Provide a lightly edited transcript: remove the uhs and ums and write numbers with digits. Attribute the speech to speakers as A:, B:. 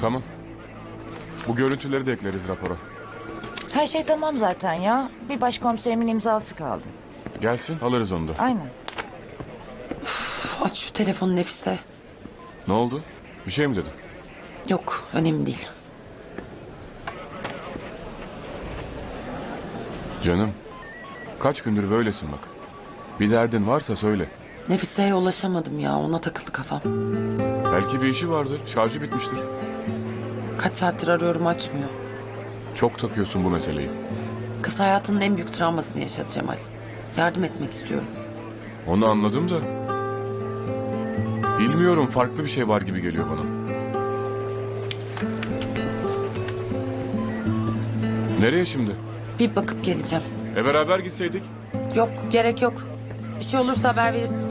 A: Tamam. Bu görüntüleri de ekleriz rapora.
B: Her şey tamam zaten ya. Bir başkomiserimin imzası kaldı.
A: Gelsin alırız onu da.
B: Aynen.
C: Aç şu telefonu Nefise.
A: Ne oldu? Bir şey mi dedin?
C: Yok, önemli değil.
A: Canım. Kaç gündür böylesin bak. Bir derdin varsa söyle.
C: Nefise'ye ulaşamadım ya, ona takıldı kafam.
A: Belki bir işi vardır. Şarjı bitmiştir.
C: Kaç saattir arıyorum, açmıyor.
A: Çok takıyorsun bu meseleyi.
C: Kız hayatının en büyük travmasını yaşadı Cemal. Yardım etmek istiyorum.
A: Onu anladım da. Bilmiyorum, farklı bir şey var gibi geliyor bana. Nereye şimdi?
C: Bir bakıp geleceğim.
A: Beraber gitseydik.
C: Yok, gerek yok. Bir şey olursa haber verirsin.